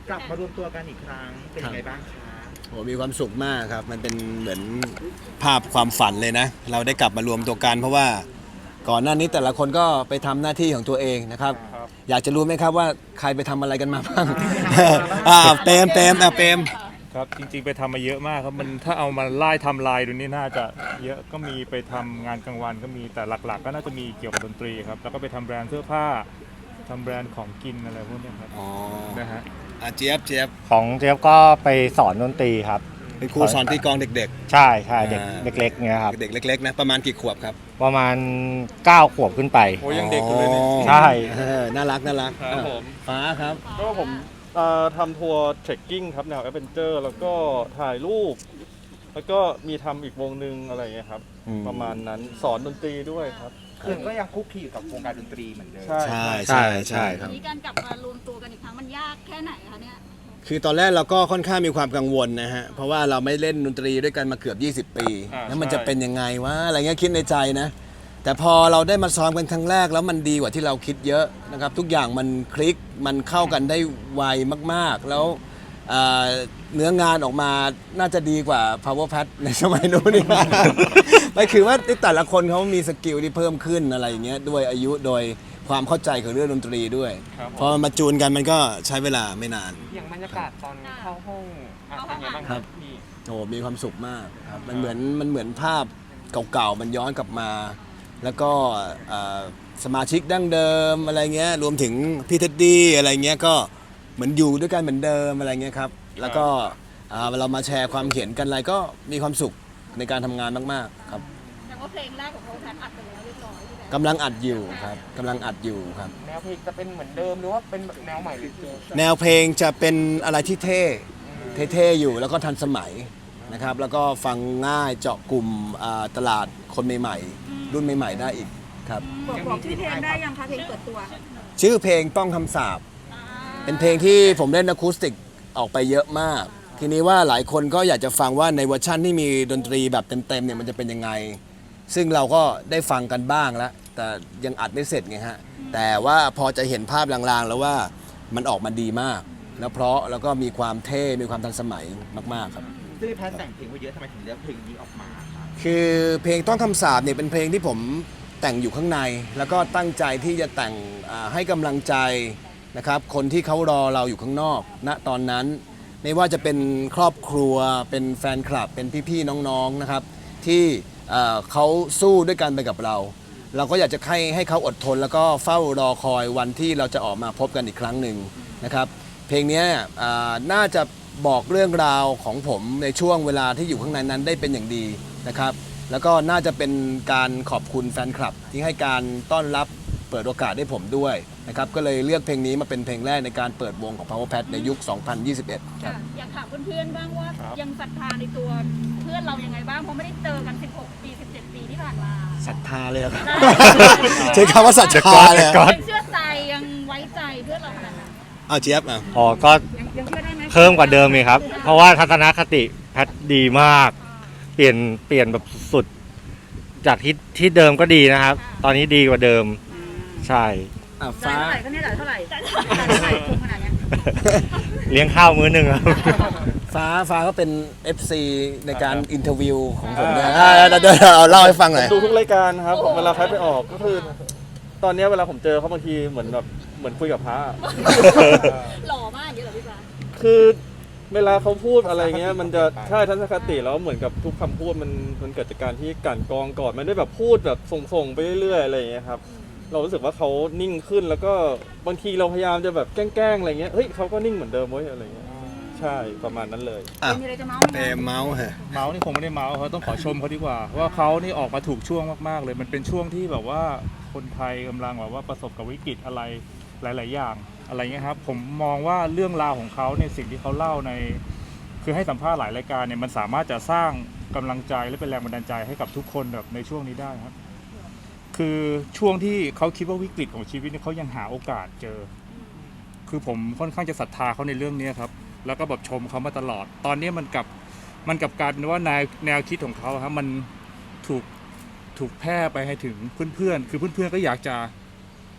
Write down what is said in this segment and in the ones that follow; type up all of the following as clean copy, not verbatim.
กลับมารวมตัวกันอีกครั้งเป็นยังไงบ้างคะโอ้มีความสุขมากครับมันเป็นเหมือนภาพความฝันเลยนะเราได้กลับมารวมตัวกันเพราะว่าก่อนหน้านี้แต่ละคนก็ไปทำหน้าที่ของตัวเองนะครับอยากจะรู้ไหมครับว่าใครไปทำอะไรกันมาบ้างเปรมครับจริงๆไปทำมาเยอะมากครับมันถ้าเอามาไล่ทำลายดูนี่น่าจะเยอะก็มีไปทำงานกลางวันก็มีแต่หลักๆก็น่าจะมีเกี่ยวกับดนตรีครับแล้วก็ไปทำแบรนด์เสื้อผ้าทำแบรนด์ของกินอะไรพวกนี้ครับนะฮะเจี๊ยบของเจี๊ยบก็ไปสอนดนตรีครับเป็นครูสอนตีกลองเด็กใช่เด็กเล็กๆเนี่ยครับเด็กเล็กๆนะประมาณกี่ขวบครับประมาณ9 ขวบขึ้นไปโอ้ยังเด็กอยู่เลยนี่ใช่น่ารักครับผมฟ้าครับก็ผมทำทัวร์เทรคกิ้งครับแนวแอดเวนเจอร์แล้วก็ถ่ายรูปแล้วก็มีทำอีกวงหนึ่งอะไรเงี้ยครับประมาณนั้นสอนดนตรีด้วยครับคือก็ยังคุกคีอยู่กับวงการดนตรีเหมือนเดิมใช่ครับนี่การกลับมารวมตัวกันอีกครั้งมันยากแค่ไหนคะเนี่ยคือตอนแรกเราก็ค่อนข้างมีความกังวลนะฮะเพราะว่าเราไม่เล่นดนตรีด้วยกันมาเกือบ20 ปีแล้วมันจะเป็นยังไงวะอะไรเงี้ยคิดในใจนะแต่พอเราได้มาซ้อมกันครั้งแรกแล้วมันดีกว่าที่เราคิดเยอะนะครับทุกอย่างมันคลิกมันเข้ากันได้ไวมากๆแล้วเนื้องานออกมาน่าจะดีกว่า Power Pad ในสมัยนู้นนี่ไม่คือว่าแต่ละคนเขามีสกิลที่เพิ่มขึ้นอะไรอย่างเงี้ยด้วยอายุโดยความเข้าใจของเรื่องดนตรีด้วยพอมาจูนกันมันก็ใช้เวลาไม่นานอย่างบรรยากาศตอนเข้าห้องเป็นไงบ้างครับโอ้มีความสุขมากครับมันเหมือนภาพเก่าๆมันย้อนกลับมาแล้วก็สมาชิกดั้งเดิมอะไรเงี้ยรวมถึงพี่เท็ดดี้อะไรเงี้ยก็เหมือนอยู่ด้วยกันเหมือนเดิมอะไรเงี้ยครับแล้วก็เรามาแชร์ความเห็นกันอะไรก็มีความสุขในการทำงานมากๆครับแต่ว่าเพลงแรกของเขาแพทอัดไปแล้วเรียบร้อยกำลังอัดอยู่ครับแนวเพลงจะเป็นเหมือนเดิมหรือว่าเป็นแนวใหม่หรือแนวเพลงจะเป็นอะไรที่เท่อยู่แล้วก็ทันสมัยนะครับแล้วก็ฟังง่ายเจาะกลุ่มตลาดคนใหม่ๆรุ่นใหม่ๆได้อีกครับบอกชื่อเพลงได้ยังคะเพลงเปิดตัวชื่อเพลงต้องคำสาปเป็นเพลงที่ผมเล่นอะคูสติกออกไปเยอะมากทีนี้ว่าหลายคนก็อยากจะฟังว่าในเวอร์ชั่นที่มีดนตรีแบบเต็มๆเนี่ยมันจะเป็นยังไงซึ่งเราก็ได้ฟังกันบ้างแล้วแต่ยังอัดไม่เสร็จไงฮะแต่ว่าพอจะเห็นภาพลางๆแล้วว่ามันออกมาดีมากแล้วเพราะแล้วก็มีความเท่มีความทันสมัยมากๆครับซึ่งแพทแต่งเพลงไว้เยอะทำไมถึงเลือกเพลงนี้ออกมาคือเพลงต้องคำสาปเนี่ยเป็นเพลงที่ผมแต่งอยู่ข้างในแล้วก็ตั้งใจที่จะแต่งให้กำลังใจนะครับคนที่เขารอเราอยู่ข้างนอกณตอนนั้นไม่ว่าจะเป็นครอบครัวเป็นแฟนคลับเป็นพี่ๆน้องๆนะครับที่เขาสู้ด้วยกันไปกับเราเราก็อยากจะให้เขาอดทนแล้วก็เฝ้ารอคอยวันที่เราจะออกมาพบกันอีกครั้งหนึ่งนะครับเพลงนี้น่าจะบอกเรื่องราวของผมในช่วงเวลาที่อยู่ข้างในนั้นได้เป็นอย่างดีนะครับแล้วก็น่าจะเป็นการขอบคุณแฟนคลับที่ให้การต้อนรับเปิดโอกาสให้ผมด้วยนะครับก็เลยเลือกเพลงนี้มาเป็นเพลงแรกในการเปิดวงของ Power Pad ในยุค 2021 ครับอยากถามเพื่อนๆบ้างว่ายังศรัทธาในตัวเพื่อนเรายังไงบ้างเพราะไม่ได้เจอกัน16 ปี 17 ปีที่ผ่านมาศรัทธาเลยครับใช้คำว่าศรัทธาเลยยังเชื่อใจยังไว้ใจเพื่อนเราขนาดนั้นเจี๊ยบก็เพิ่มกว่าเดิมเลยครับเพราะว่าทัศนคติแพทดีมากเปลี่ยนแบบสุดจากที่เดิมก็ดีนะครับตอนนี้ดีกว่าเดิมใช่ฟ้าเท่าไหร่เท่าไหร่ขนาดนี้เลี้ยงข้าวมื้อหนึ่งครับฟ้าก็เป็น FC ในการอินเทอร์วิวของผมนะเดี๋ยวเล่าให้ฟังหน่อยดูทุกรายการครับเวลาแพทไปออกก็คือตอนนี้เวลาผมเจอเขาบางทีเหมือนคุยกับพระหล่อมากอย่างนี้เหรอพี่ฟ้าคือเวลาเขาพูดอะไรเงี้ยมันจะใช่ทัศนคติแล้วเหมือนกับทุกคำพูดมันเกิดจากการที่กั่นกรองก่อนมันได้แบบพูดแบบส่งไปเรื่อยๆอะไรอย่างเงี้ยครับเรารู้สึกว่าเขานิ่งขึ้นแล้วก็บางทีเราพยายามจะแบบแกล้งอะไรเงี้ยเฮ้ยเขาก็นิ่งเหมือนเดิมเว้ยอะไรเงี้ยใช่ประมาณนั้นเลยมีอะไรจะเมาส์ฮะเมาส์นี่คงไม่ได้เมาส์เขาต้องขอชมเขาดีกว่าว่าเขานี่ออกมาถูกช่วงมากๆเลยมันเป็นช่วงที่แบบว่าคนไทยกำลังแบบว่าประสบกับวิกฤตอะไรหลายๆอย่างอะไรเงี้ยครับผมมองว่าเรื่องราวของเขาในสิ่งที่เขาเล่าในคือให้สัมภาษณ์หลายรายการเนี่ยมันสามารถจะสร้างกำลังใจและเป็นแรงบันดาลใจให้กับทุกคนแบบในช่วงนี้ได้ครับคือช่วงที่เขาคิดว่าวิกฤตของชีวิตเนี่ยเขายังหาโอกาสเจอคือผมค่อนข้างจะศรัทธาเขาในเรื่องนี้ครับแล้วก็แบบชมเขามาตลอดตอนนี้มันกลับกลายเป็นว่าแนวคิดของเขาครับมันถูกแพร่ไปให้ถึงเพื่อนๆคือเพื่อนๆก็อยากจะ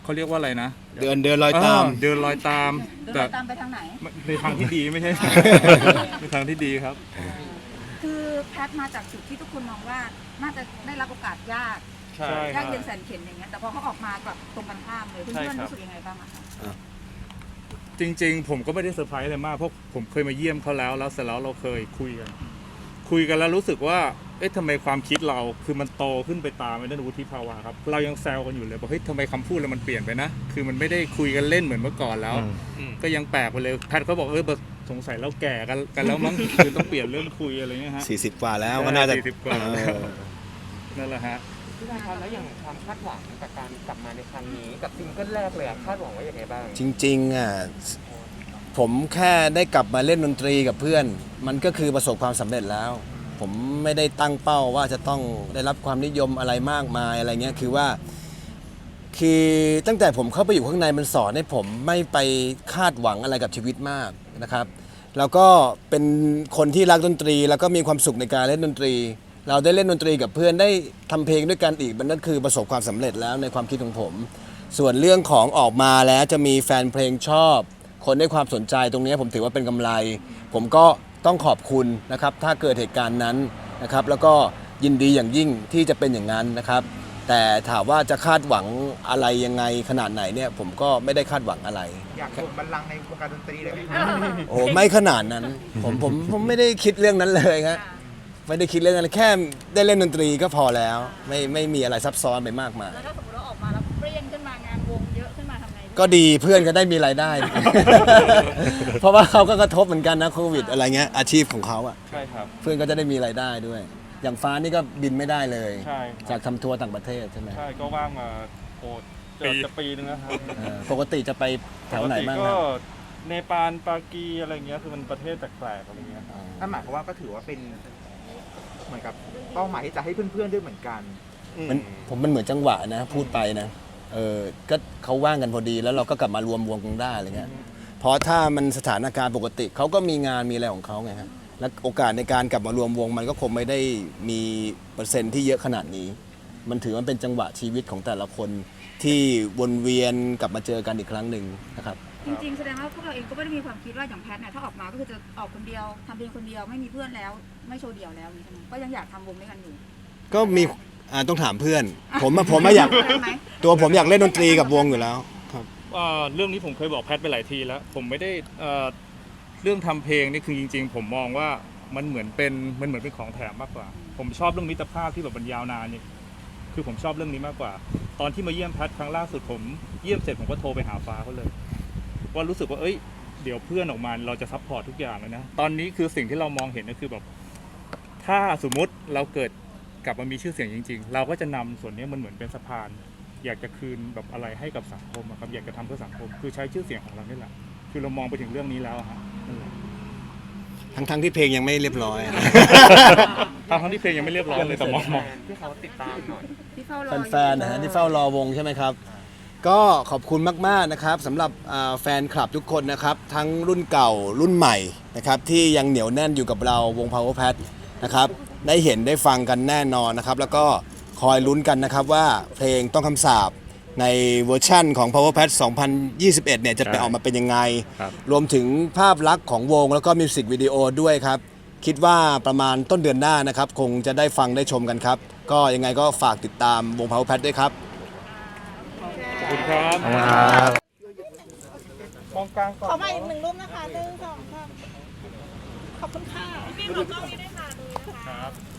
เขาเรียกว่าอะไรนะเดินรอยตามเดินรอยตามเดินแต่ตามไปทางไหนในทางที่ดีไม่ใช่ ในทางที่ดีครับคือแพทมาจากจุดที่ทุกคนมองว่าน่าจะได้รับโอกาสยากใช่ยากเย็นแสนเข็ญอย่างเงี้ยแต่พอเขาออกมากลับตรงกันข้ามเลยเพื่อนๆรู้สึกยังไงบ้างอะคะจริงๆ ผมก็ไม่ได้เซอร์ไพรส์อะไรมากเพราะผมเคยมาเยี่ยมเขาแล้วเสร็จแล้วเราเคยคุยกันแล้วรู้สึกว่าเอ๊ะทำไมความคิดเราคือมันโตขึ้นไปตามในด้านวุฒิภาวะครับเรายังแซวกันอยู่เลยบอกเฮ้ยทำไมคำพูดเรามันเปลี่ยนไปนะคือมันไม่ได้คุยกันเล่นเหมือนเมื่อก่อนแล้ว ก็ยังแปลกไปเลยแพทเขาบอกสงสัยเราแก่กันแล้วมั้ง คือต้องเปลี่ยนเรื่องคุยอะไรเงี้ยฮะ 40 กว่าแล้วก็น่าจะ 40กว่านั่นแหละฮะพี่วันครับแล้วอย่างความคาดหวังกับการกลับมาในครั้งนี้กับซิงเกิลแรกเลยคาดหวังไว้ยังไงบ้างจริงๆอ่ะผมแค่ได้กลับมาเล่นดนตรีกับเพื่อน มันก็คือประสบความสำเร็จแล้ว ผมไม่ได้ตั้งเป้าว่าจะต้องได้รับความนิยมอะไรมากมายอะไรเงี้ยคือตั้งแต่ผมเข้าไปอยู่ข้างในมันสอนให้ผมไม่ไปคาดหวังอะไรกับชีวิตมากนะครับแล้วก็เป็นคนที่รักดนตรี แล้วก็มีความสุขในการเล่นดนตรี เราได้เล่นดนตรีกับเพื่อนได้ทำเพลงด้วยกันอีกมันนั่นคือประสบความสำเร็จแล้วในความคิดของผม ส่วนเรื่องของออกมาแล้วจะมีแฟนเพลงชอบ คนได้ความสนใจตรงนี้ผมถือว่าเป็นกำไร ผมก็ต้องขอบคุณนะครับถ้าเกิดเหตุการณ์นั้นนะครับแล้วก็ยินดีอย่างยิ่งที่จะเป็นอย่างนั้นนะครับแต่ถามว่าจะคาดหวังอะไรยังไงขนาดไหนเนี่ยผมก็ไม่ได้คาดหวังอะไรอยากกดบัลลังก์ในวงการดนตรีเลยไหมครับโอ้ไม่ขนาดนั้นผมไม่ได้คิดเรื่องนั้นเลยครับไม่ได้คิดเรื่องนั้นแค่ได้เล่นดนตรีก็พอแล้วไม่มีอะไรซับซ้อนไปมากมายแล้วถ้าสมมติเราออกมาแล้วเปรี้ยงขึ้นมางานวงเยอะขึ้นมาทำไงก็ดีเพื่อนก็ได้มีรายได้ เพราะว่าเขาก็กระทบเหมือนกันนะโควิดอะไรเงี้ยอาชีพของเขาอ่ะใช่ครับเพื่อนก็จะได้มีรายได้ด้วย อย่างฟ้านี่ก็บินไม่ได้เลยใช่จากทำทัวร์ต่างประเทศใช่ไหมใช่ก็ว่างมาโอ้จะปีนึงแล้วครับปกติจะไปแถวไหนบ้างปกคติรับก็เนปาลปากีอะไรเงี้ยคือมันประเทศแปลกๆอะไรเงี้ยครับนั่นหมายความว่าก็ถือว่าเป็นเหมือนกับเป้าหมายที่จะให้เพื่อนๆด้วยเหมือนกันมันเหมือนจังหวะนะพูดไปนะก็เขาว่างกันพอดีแล้วเราก็กลับมารวมวงกันได้อะไรเงี้ยเพราะถ้ามันสถานการณ์ปกติเขาก็มีงานมีอะไรของเขาไงฮะและโอกาสในการกลับมารวมวงมันก็คงไม่ได้มีเปอร์เซ็นต์ที่เยอะขนาดนี้ มันถือว่าเป็นจังหวะชีวิตของแต่ละคนที่วนเวียนกลับมาเจอกันอีกครั้งหนึ่งนะครับจริงๆแสดงว่าพวกเราเองก็ไม่ได้มีความคิดว่าอย่างแพทเนี่ยถ้าออกมาก็คือจะออกคนเดียวทำเพลงคนเดียวไม่มีเพื่อนแล้วไม่โชว์เดี่ยวแล้วนี่ใช่ไหมก็ยังอยากทำวงด้วยกันอยู่ก็มีต้องถามเพื่อน ผมอยากได้ไหมตัวผมอยากเล่นดนตรีกับวงอยู่แล้วครับเรื่องนี้ผมเคยบอกแพทไปหลายทีแล้ว ผมไม่ได้เรื่องทำเพลงนี่คือจริง ๆ ผมมองว่ามันเหมือนเป็นของแถมมากกว่า ผมชอบเรื่องมิตรภาพที่แบบมันยาวนานนี่คือผมชอบเรื่องนี้มากกว่า ตอนที่มาเยี่ยมแพทครั้งล่าสุดผมเยี่ยมเสร็จผมก็โทรไปหาฟ้าเขาเลยว่ารู้สึกว่าเดี๋ยวเพื่อนออกมาเราจะซัพพอร์ตทุกอย่างเลยนะตอนนี้คือสิ่งที่เรามองเห็นก็คือแบบถ้าสมมุติเราเกิดกลับมามีชื่อเสียงจริง ๆ เราก็จะนำส่วนนี้มันเหมือนเป็นสะพาน อยากจะคืนแบบอะไรให้กับสังคมอะครับอยากจะทำเพื่อสังคมคือใช้ชื่อเสียงของเรานี่แหละคือเรามองไปถึงเรื่องนี้แล้วอะฮะนั่นแหละทั้งที่เพลงยังไม่เรียบร้อยทั้งที่เพลงยังไม่เรียบร้อยเลยแต่มองที่เขาติดตามหน่อยที่เฝ้ารอแฟนๆนะฮะที่เฝ้ารอวงใช่ไหมครับ ก็ขอบคุณมากๆนะครับสำหรับแฟนคลับทุกคนนะครับทั้งรุ่นเก่ารุ่นใหม่นะครับที่ยังเหนียวแน่นอยู่กับเราวง Power Pat นะครับได้เห็นได้ฟังกันแน่นอนนะครับแล้วก็คอยลุ้นกันนะครับว่าเพลงต้องคำสาปในเวอร์ชั่นของ Power Pat 2021 เนี่ยจะไปออกมาเป็นยังไงครับรวมถึงภาพลักษณ์ของวงแล้วก็มิวสิกวิดีโอด้วยครับคิดว่าประมาณต้นเดือนหน้านะครับคงจะได้ฟังได้ชมกันครับก็ยังไงก็ฝากติดตามวง Power Pat ด้วยครับขอบคุณครับครับมองกลางก่อนขอมาอีกหนึ่งรูปนะคะ1 2 3ขอบคุณค่ะพี่ขอกล้องนี้ด้วยค่ะดูนะคะ